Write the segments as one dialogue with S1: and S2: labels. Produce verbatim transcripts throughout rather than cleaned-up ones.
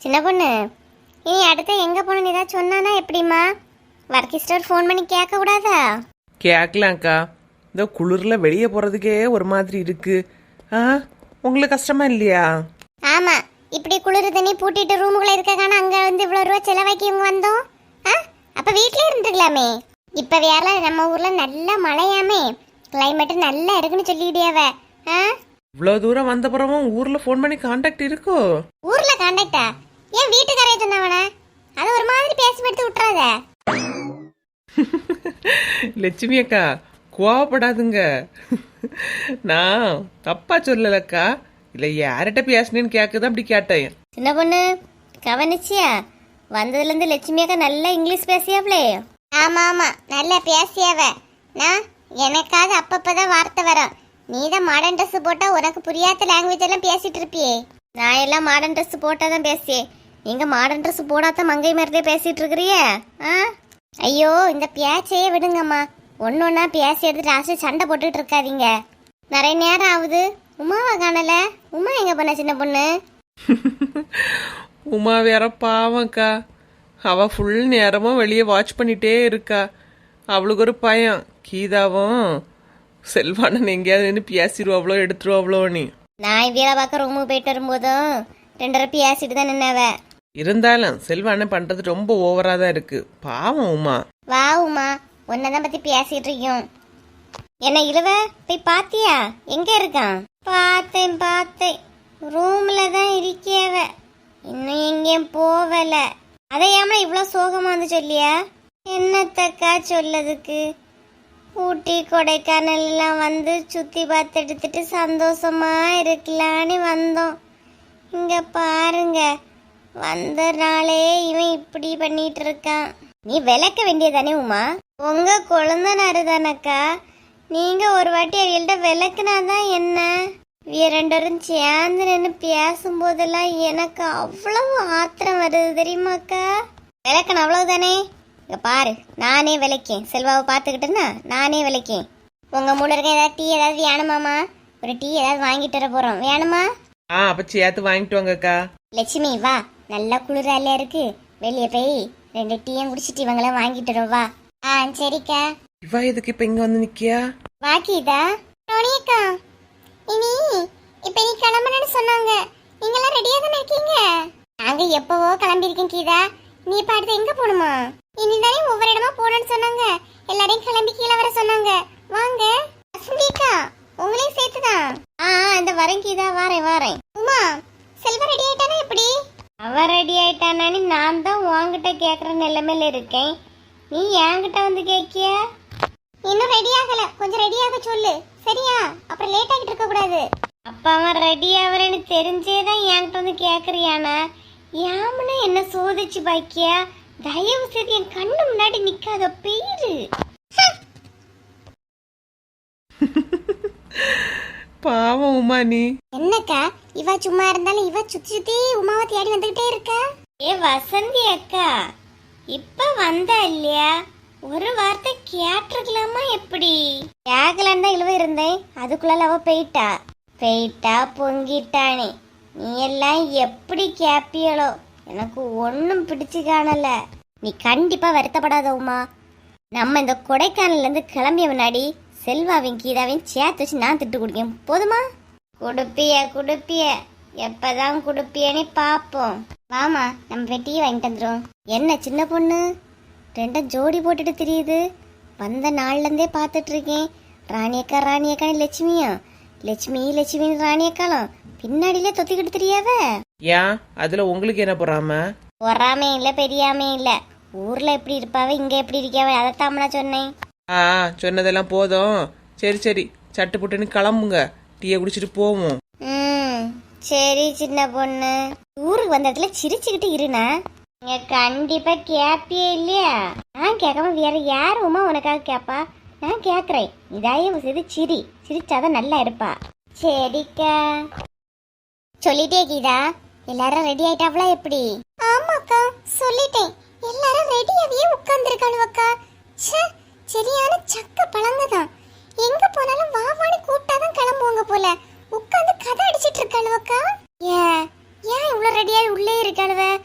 S1: சின்ன பொண்ணு, இனி அடுத்து எங்க போகணும்னு ஏதாவது சொன்னானா எப்படிம்மா? வர்க்கிஸ்டர் ஃபோன் பண்ணி கேட்க கூடாதா?
S2: கேட்கலாம்க்கா. இந்த குளிரில் வெளியே போகிறதுக்கே ஒரு மாதிரி இருக்கு. ஆ உங்களுக்கு கஷ்டமா இல்லையா?
S1: ஆமா, இப்படி குளிர் தண்ணி பூட்டிட்டு ரூமுக்குள்ள இருக்கான அங்க வந்து இவ்வளவு ரூபா செலவாக்கி இவங்க வந்தோம். ஆ அப்ப வீட்லயே இருந்துக்கலாமே. இப்ப வேற நம்ம ஊர்ல நல்ல மழையாமே, கிளைமேட் நல்லா இருக்குன்னு சொல்லிடியாவ. ஆ
S2: இவ்வளோ தூரம் வந்த பிறவும் ஊரில் ஃபோன் பண்ணி கான்டாக்ட் இருக்கோ?
S1: ஊர்ல கான்டாக்டா? ஏன் வீட்டுக்காரைய சொன்னவன? அது ஒரு மாதிரி பேசி எடுத்து விட்டுறாத.
S2: லட்சுமி அக்கா கோவப்படாதுங்க. நான் தப்பா சொல்லலக்கா. இல்லை யார்கிட்ட பேசினேன்னு கேட்குதான் அப்படி கேட்டேன்.
S1: சின்ன பொண்ணு கவனிச்சியா? வந்ததுல இருந்து லட்சுமி அக்கா நல்லா இங்கிலீஷ் பேசியாவளே. ஆமா ஆமா, நல்லா பேசியாவ. நான் எனக்காவது அப்பப்பதான் வார்த்தை வரும். நீ தான் மாடர்ன் ட்ரெஸ் போட்டா உனக்கு புரியாத லாங்குவேஜ் எல்லாம் பேசிட்டு இருப்பியே. நான் எல்லாம் மாடர்ன் ட்ரெஸ் போட்டாதான் பேசியே. நீங்க மாடர்ன் ட்ரெஸ் போடாத மங்கை மாதிரியே பேசிட்டு இருக்கிறிய. ஆ ஐயோ, இந்த பேச்சையே விடுங்கம்மா. ஒன்னு ஒன்னா பேசி எடுத்துட்டு லாஸ்ட் சண்டை போட்டுட்டு இருக்காதீங்க. நிறைய நேரம் ஆகுது. உமாவை காணல. உமா எங்க பண்ண சின்ன பொண்ணு?
S2: உமா வேற பாவம்க்கா. அவ ஃபுல் நேரமும் வெளியே வாட்ச் பண்ணிட்டே இருக்கா. அவளுக்கு ஒரு பயம், கீதாவும் செல்வானன் எங்கேயாவது நின்று பேசிடுவாவளோ எடுத்துருவாவளோ. நீ
S1: நான் வேலை பார்க்க ரூமுக்கு போயிட்டு வரும்போதும் ரெண்டரை பேசிட்டு தான் நின்னவ.
S2: இருந்தாலும் செல்வானன் பண்றது ரொம்ப ஓவரா தான் இருக்கு. பாவம் உமா.
S1: வா உமா, உன்னதான் பத்தி பேசிட்டு இருக்கோம். என்ன இழுவ போய் பாத்தியா? எங்க இருக்கான்? பார்த்தேன் பார்த்தேன், ரூம்ல தான் இருக்கியவ. இன்னும் எங்கேயும் போவல. அதையாம இவ்வளவு சோகமா வந்து சொல்லியா? என்னத்தக்கா சொல்லதுக்கு? ஊட்டி கொடைக்கானல் எல்லாம் வந்து சுத்தி பார்த்து எடுத்துட்டு சந்தோஷமா இருக்கலான்னு வந்தோம். இங்க பாருங்க, வந்த நாளே இவன் இப்படி பண்ணிட்டு இருக்கான். நீ விளக்க வேண்டியதானே உமா? உங்க குழந்தைனாரு தானக்கா. நீங்க ஒரு வாட்டி அவள்கிட்ட விளக்குனாதான் என்ன? இரண்டரும் சேர்ந்து நின்று பேசும்போதெல்லாம் எனக்கு அவ்வளவு ஆத்திரம் வருது தெரியுமாக்கா. விளக்கணும் அவ்வளவுதானே. இங்க பாரு, நானே விளக்கேன். செல்வாவை பார்த்துக்கிட்டேன்னா நானே விளக்கேன். உங்க மூணு இருக்க ஏதாவது டீ ஏதாவது வேணுமாமா? ஒரு டீ ஏதாவது வாங்கிட்டு வர போறோம். வேணுமா?
S2: ஆ அப்ப சேர்த்து வாங்கிட்டு வாங்கக்கா.
S1: லட்சுமி வா, நல்லா குளிரால இருக்கு. வெளியே போய் ரெண்டு டீயும் குடிச்சிட்டு இவங்கள வாங்கிட்டு வரோம். வா. ஆ சரிக்கா.
S2: இவா எதுக்கு இப்ப இங்க வந்து நிக்கியா?
S1: வாக்கிதா ரோனியக்கா, இனி இப்ப நீ கிளம்பணும்னு சொன்னாங்க. நீங்க எல்லாம் ரெடியா தானே இருக்கீங்க? நாங்க எப்பவோ கிளம்பி இருக்கேன் கீதா. நீ இப்ப அடுத்து எங்க போகணுமா? இனிதானே ஒவ்வொரு இடமா போகணும்னு சொன்னாங்க. எல்லாரையும் கிளம்பி கீழே வர சொன்னாங்க. வாங்க. வசந்திக்கா உங்களையும் சேர்த்துதான். ஆ இந்த வரேன் கீதா, வாரேன் வாரேன். உமா, செல்வா ரெடி ஆயிட்டானா எப்படி? அவ ரெடி ஆயிட்டானு நான் தான் உன்கிட்ட கேக்குற நிலைமையில இருக்கேன். நீ என்கிட்ட வந்து கேக்கிய? இன்னும் ரெடி ஆகல, கொஞ்சம் ரெடி ஆக சொல்லு சரியா? அப்புறம் லேட் ஆகிட்டு இருக்க கூடாது. அப்ப அவன் ரெடி ஆவறேன்னு தெரிஞ்சேதான் என்கிட்ட வந்து கேக்குறியானா? யாமனா என்ன சோதிச்சு பாக்கியா? தயவு செய்து என் கண்ணு முன்னாடி நிக்காத பேரு.
S2: பாவம் உமா நீ.
S1: என்னக்கா இவ சும்மா இருந்தாலும் இவ சுத்தி சுத்தி உமாவை தேடி வந்துகிட்டே இருக்கா. ஏ வசந்தி அக்கா, இப்ப வந்தா இல்லையா? ஒரு வார்த்தை கேட்டிருக்கலாமா? எப்படி கேட்கலான்னு தான் இழுவ இருந்தேன். அதுக்குள்ள அவ போயிட்டா. போயிட்டா பொங்கிட்டானே. நீ எல்லாம் எப்படி கேப்பியளோ? எனக்கு ஒன்னும் பிடிச்சு காணல. நீ கண்டிப்பா வருத்தப்படாத உமா. நம்ம இந்த கொடைக்கானல்ல இருந்து கிளம்பிய முன்னாடி செல்வாவின் கீதாவையும் சேர்த்து வச்சு நான் திட்டு குடிக்கேன். போதுமா? குடுப்பிய குடுப்பிய எப்பதான் குடுப்பியன்னு பாப்போம். வாமா, நம்ம போய் டீ வாங்கிட்டு வந்துடும். என்ன சின்ன பொண்ணு ரெண்டும் ஜோடி போட்டுட்டு தெரியுது? வந்த நாள்ல இருந்தே பாத்துட்டு இருக்கேன். ராணியக்கா ராணியக்கா லட்சுமியா, லட்சுமி லட்சுமி ராணியக்காலும் பின்னாடியில தொத்திக்கிட்டு தெரியாவ.
S2: ஏன் அதுல உங்களுக்கு என்ன பொறாம?
S1: பொறாமே இல்ல பெரியாமே இல்ல. ஊர்ல எப்படி இருப்பாவ, இங்க எப்படி இருக்காவ, அதைத்தாமனா சொன்னேன்.
S2: ஆ சொன்னதெல்லாம் போதும். சரி சரி, சட்டு புட்டுன்னு கிளம்புங்க. டீயை குடிச்சிட்டு போவோம்.
S1: ம் சரி சின்ன பொண்ணு. ஊருக்கு வந்த இடத்துல சிரிச்சுக்கிட்டு இருனா. நீங்க கண்டிப்பா கேப்பியே இல்லையா? நான் கேட்காம வேற யாருமா உனக்காக கேப்பா? நான் கேக்குறேன். இதாயே செய்து சிரி, சிரிச்சாதான் நல்லா இருப்பா. சரிக்கா. சொல்லிட்டே கீதா, எல்லாரும் ரெடி ஆயிட்டாவளா எப்படி? ஆமாக்கா சொல்லிட்டேன். எல்லாரும் ரெடியாவே உட்கார்ந்துருக்காளுவக்கா. ச்சே, சரியான சக்க பழங்கதான். எங்க போனாலும் வாவான்னு கூப்பிட்டாதான் கிளம்புவாங்க போல. உட்கார்ந்து கதை அடிச்சிட்டு இருக்காளுவக்கா. ஏன் ஏன் இவ்வளவு ரெடியாகி உள்ளே இருக்காளுவ?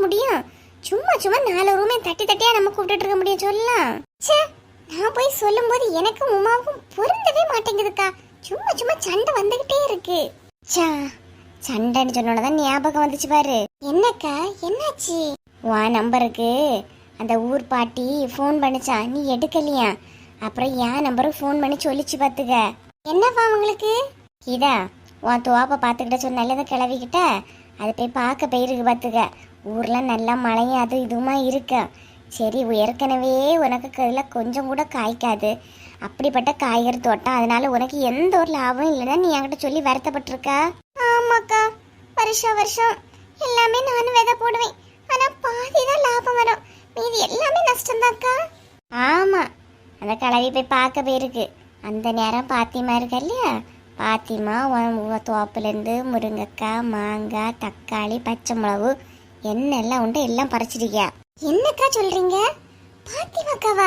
S1: முடியும்? சும்மா சும்மா நாலு ரூமே தட்டி தட்டியா நம்ம கூப்பிட்டு இருக்க முடியும் சொல்லலாம். ச்சே, நான் போய் சொல்லும் போது எனக்கும் உமாவுக்கும் பொருந்தவே மாட்டேங்குதுக்கா. சும்மா சும்மா சண்டை வந்துகிட்டே இருக்கு. சா, சண்டைன்னு சொன்னோடதான் ஞாபகம் வந்துச்சு பாரு. என்னக்கா, என்னாச்சு? உன் நம்பருக்கு அந்த ஊர் பாட்டி ஃபோன் பண்ணிச்சா, நீ எடுக்கலையா? அப்புறம் என் நம்பருக்கு ஃபோன் பண்ணி சொல்லிச்சு பாத்துக்க. என்னப்பா உங்களுக்கு? கீதா, உன் துவாப்பை பார்த்துக்கிட்ட சொன்னால கிளவிக்கிட்ட அதை போய் பார்க்க போயிருக்கு பாத்துக்க. ஊர்ல நல்லா மழையும் அது இதுவுமா இருக்கு. சரி, ஏற்கனவே உனக்கு இதில் கொஞ்சம் கூட காய்க்காது, அப்படிப்பட்ட காய்கறி தோட்டம், அதனால உனக்கு எந்த ஒரு லாபம் இல்லைன்னா நீ என்கிட்ட சொல்லி வருத்தப்பட்டிருக்கா? ஆமாக்கா, வருஷம் வருஷம் எல்லாமே நானும் விதை போடுவேன், ஆனா பாதி தான் லாபம் வரும், மீதி எல்லாமே நஷ்டம்தாக்கா. ஆமா, அந்த கிளவி போய் பார்க்க போயிருக்கு. அந்த நேரம் பாத்திமா இருக்கா இல்லையா, பாத்திமா தோப்புலேருந்து முருங்கைக்காய், மாங்காய், தக்காளி, பச்சை மிளகு என்னெல்லாம் உண்டு எல்லாம் பறிச்சிருக்கியா. என்னக்கா சொல்றீங்க? பாத்திமாக்காவா?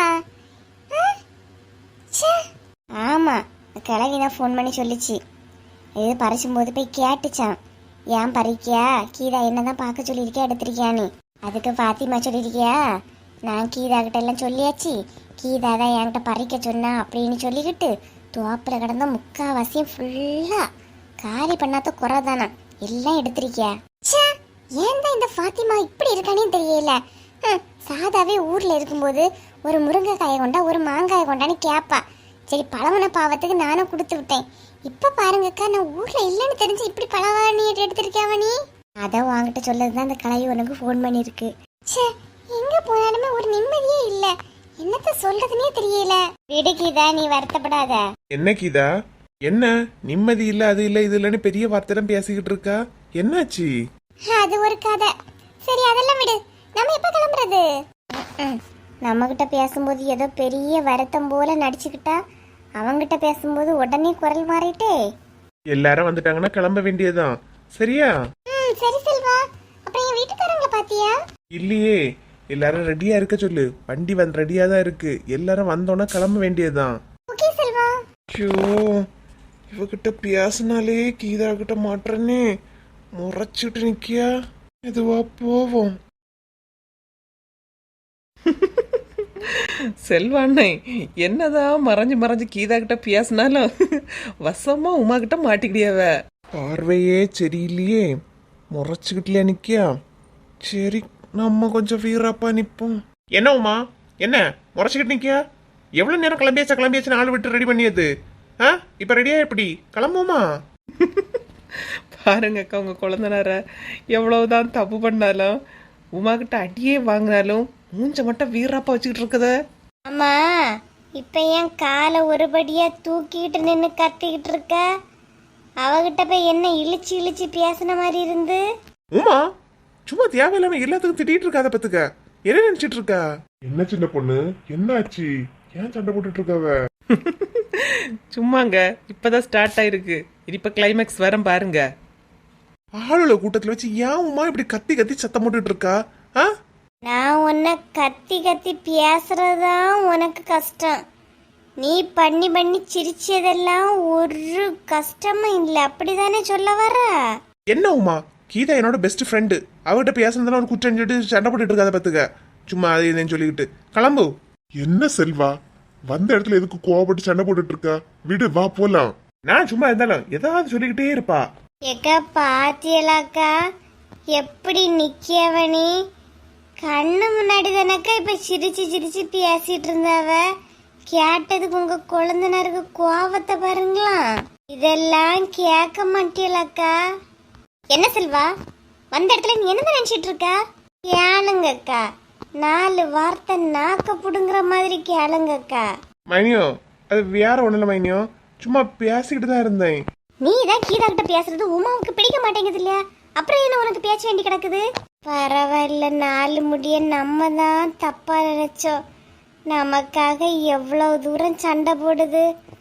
S1: ஆமா, கிளவி தான் ஃபோன் பண்ணி சொல்லிச்சு. இது பறிச்சும்போது போய் கேட்டுச்சான், ஏன் பறிக்கியா, கீதா என்னதான் பார்க்க சொல்லியிருக்கியா, எடுத்திருக்கியான்னு. அதுக்கு பாத்திமா சொல்லியிருக்கியா, நான் கீதா கிட்ட எல்லாம் சொல்லியாச்சு, கீதா தான் என்கிட்ட பறிக்க சொன்னா அப்படின்னு சொல்லிக்கிட்டு துவாப்பில் கிடந்த முக்காவாசியும் ஃபுல்லா காலி பண்ணாத குறை தானா எல்லாம் எடுத்திருக்கியா. ஏன் தான் இந்த ஃபாத்திமா இப்படி இருக்கானே தெரியல. சாதாவே ஊர்ல இருக்கும்போது ஒரு முருங்கைக்காயை கொண்டா ஒரு மாங்காயை கொண்டான்னு கேப்பா. சரி, பழமன பாவத்துக்கு நானும் கொடுத்து விட்டேன். இப்ப பாருங்கக்கா, நான் ஊர்ல இல்லைன்னு தெரிஞ்சு இப்படி பழவாணி எடுத்திருக்கியாவா நீ? அதான் வாங்கிட்ட சொல்லதுதான் அந்த கலை உனக்கு ஃபோன் பண்ணிருக்கு. சே, எங்க போனாலுமே ஒரு நிம்மதியே இல்ல, என்னத்த சொல்றதுன்னே தெரியல. விடு கீதா, நீ வருத்தப்படாத.
S2: என்ன கீதா, என்ன நிம்மதி இல்ல அது இல்ல இது இல்லன்னு பெரிய வார்த்தை பேசிக்கிட்டு இருக்கா, என்னாச்சு?
S1: அது ஒரு கதை. சரி, அதெல்லாம் விடு, நம்ம எப்ப கிளம்புறது? நம்ம கிட்ட பேசும்போது ஏதோ பெரிய வருத்தம் போல நடிச்சுக்கிட்டா, அவங்கிட்ட பேசும்போது உடனே குரல் மாறிட்டே.
S2: எல்லாரும் வந்துட்டாங்கன்னா கிளம்ப வேண்டியதுதான், சரியா?
S1: ம், சரி செல்வா. அப்புறம் என் வீட்டுக்காரங்களை பாத்தியா?
S2: இல்லையே, எல்லாரும் ரெடியா இருக்க சொல்லு, வண்டி வந்து ரெடியா தான் இருக்கு, எல்லாரும் வந்தோன்னா கிளம்ப வேண்டியதுதான்.
S1: ஓகே செல்வா.
S2: ஐயோ, இவகிட்ட பேசினாலே கீதா கிட்ட மாட்டுறனே, முறைச்சிட்டு நிக்கியா, இதுவா போவோம். செல்வாண்ணே என்னதான் மறைஞ்சு மறைஞ்சு கீதா கிட்ட பேசினாலும் வசமா உமா கிட்ட மாட்டிக்கிடியாவ. பார்வையே சரியில்லையே, முறைச்சுக்கிட்டலையா நிக்கியா. சரி, நம்ம கொஞ்சம் வீராப்பா நிப்போம். என்ன உமா, என்ன முறைச்சுக்கிட்டு நிக்கியா? எவ்வளவு நேரம் கிளம்பியாச்சா கிளம்பியாச்சு ஆள் விட்டு ரெடி பண்ணியது? ஆ, இப்ப ரெடியா எப்படி கிளம்புமா? பாருங்க அக்கா, உங்க குழந்தைனார எவ்வளவுதான் தப்பு பண்ணாலும் உமா கிட்ட அடியே வாங்கினாலும் மூஞ்ச மட்டும் வீராப்பா வச்சுக்கிட்டு இருக்குத.
S1: அம்மா, இப்ப ஏன் காலை ஒருபடியா தூக்கிட்டு நின்னு கத்திக்கிட்டு இருக்க? அவகிட்ட போய் என்ன இழிச்சு இழிச்சு பேசின மாதிரி இருந்து.
S2: உமா, சும்மா தேவையில்லாம எல்லாத்துக்கும் திட்டிட்டு இருக்காத பத்துக்க. என்ன நினைச்சிட்டு இருக்கா? என்ன சின்ன பொண்ணு, என்னாச்சு, ஏன் சண்டை போட்டுட்டு இருக்காவ? சும்மாங்க, இப்பதான் ஸ்டார்ட் ஆயிருக்கு, இப்ப கிளைமேக்ஸ் வர பாருங்க. ஆளுல கூட்டத்துல வச்சு ஏன் உமா இப்படி கத்தி கத்தி சத்தம் போட்டுட்டு இருக்கா?
S1: நான் உன்னை கத்தி கத்தி பேசுறதுதான் உனக்கு கஷ்டம். நீ பண்ணி பண்ணி சிரிச்சதெல்லாம் ஒரு கஷ்டமும் இல்லை, அப்படிதானே சொல்ல வர?
S2: என்ன உமா, கீதா என்னோட பெஸ்ட் ஃப்ரெண்டு, அவகிட்ட பேசுனதுல ஒரு குற்றம் சொல்லிட்டு சண்டை போட்டுட்டு இருக்காத பத்துக்க. சும்மா அதை இதுன்னு சொல்லிக்கிட்டு கிளம்பு. என்ன செல்வா, வந்த இடத்துல எதுக்கு கோவப்பட்டு சண்டை போட்டுட்டு இருக்கா? விடு, வா போலாம். நான் சும்மா இருந்தாலும் ஏதாவது சொல்லிக்கிட்டே இருப்பா.
S1: ஏக்கா, பாத்தியலாக்கா எப்படி நிக்கியவனி? கண்ணு முன்னாடி தானக்கா இப்ப சிரிச்சு சிரிச்சு பேசிட்டு இருந்தாவ. கேட்டதுக்கு உங்க குழந்தைனருக்கு கோவத்தை பாருங்களா. இதெல்லாம் கேட்க மாட்டியலாக்கா. என்ன செல்வா, வந்த இடத்துல நீ என்ன நினைச்சிட்டு இருக்க? கேளுங்கக்கா, நாலு வார்த்தை நாக்க புடுங்குற மாதிரி கேளுங்கக்கா.
S2: மைனியோ, அது வேற ஒண்ணு இல்ல மைனியோ, சும்மா பேசிக்கிட்டு தான் இருந்தேன்.
S1: நீ தான் கீதா கிட்ட பேசுறது உமாவுக்கு பிடிக்க மாட்டேங்குது இல்லையா, அப்புறம் என்ன உனக்கு பேச்ச வேண்டி கிடக்குது? பரவாயில்ல, நாலு முடிய நம்ம தான் தப்பா நினைச்சோம். நமக்காக எவ்வளவு தூரம் சண்டை போடுது.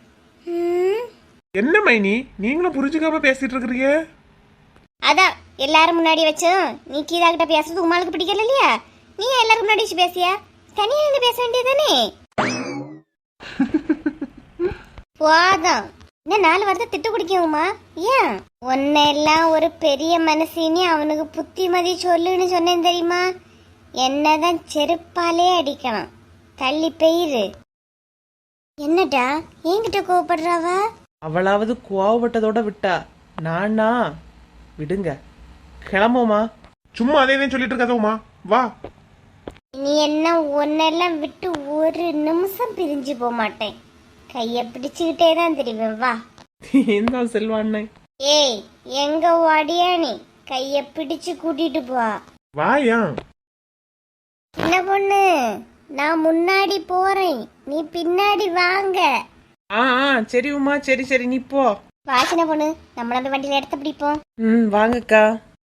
S2: என்ன மைனி, நீங்களும் புரிஞ்சுக்காம பேசிட்டு இருக்கிறீங்க?
S1: அதான் எல்லாரும் முன்னாடி வச்சோம், நீ கீதா கிட்ட பேசுறது உமாளுக்கு பிடிக்கல இல்லையா, நீ எல்லாரும் முன்னாடி வச்சு பேசியா? தனியா இருந்து பேச வேண்டியதானே. போதும், இன்னும் நாலு வாரத்தை திட்டு குடிக்குமா? ஏன் உன்னெல்லாம் ஒரு பெரிய மனசினி அவனுக்கு புத்திமதி சொல்லுன்னு சொன்னேன் தெரியுமா? என்னதான் செருப்பாலே அடிக்கணும். தள்ளி பெயிரு. என்னடா என்கிட்ட கோவப்படுறாவ?
S2: அவளாவது கோவப்பட்டதோட விட்டா, நானா விடுங்க, கிளம்புமா.
S3: சும்மா அதே தான் சொல்லிட்டு இருக்காத உமா, வா.
S1: நீ என்ன ஒன்னெல்லாம் விட்டு ஒரு நிமிஷம் பிரிஞ்சு போக மாட்டேன். கைய பிடிச்சுக்கிட்டே தான் தெரிவேன். வா.
S2: என்ன செல்வாண்ணே?
S1: ஏய் எங்க ஓடியா நீ? கைய பிடிச்சு கூட்டிட்டு போ.
S3: வாயா.
S1: என்ன பொண்ணு, நான் முன்னாடி போறேன், நீ பின்னாடி வாங்க.
S2: ஆ ஆ சரி உமா, சரி சரி நீ போ.
S1: வாசனை பொண்ணு, நம்மள அந்த வண்டியில எடுத்து பிடிப்போம்.
S2: ம் வாங்கக்கா.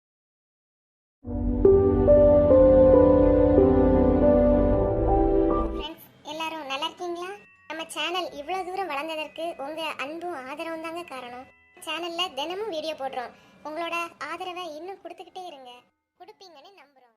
S1: ஃப்ரெண்ட்ஸ் எல்லாரும் நல்லா இருக்கீங்களா? நம்ம சேனல் இவ்வளவு தூரம் வளர்ந்ததற்கு உங்க அன்பும் ஆதரவும் தாங்க காரணம். சேனல்ல தினமும் வீடியோ போடுறோம். உங்களோட ஆதரவை இன்னும் கொடுத்துக்கிட்டே இருங்க. கொடுப்பீங்கன்னு நம்புறோம்.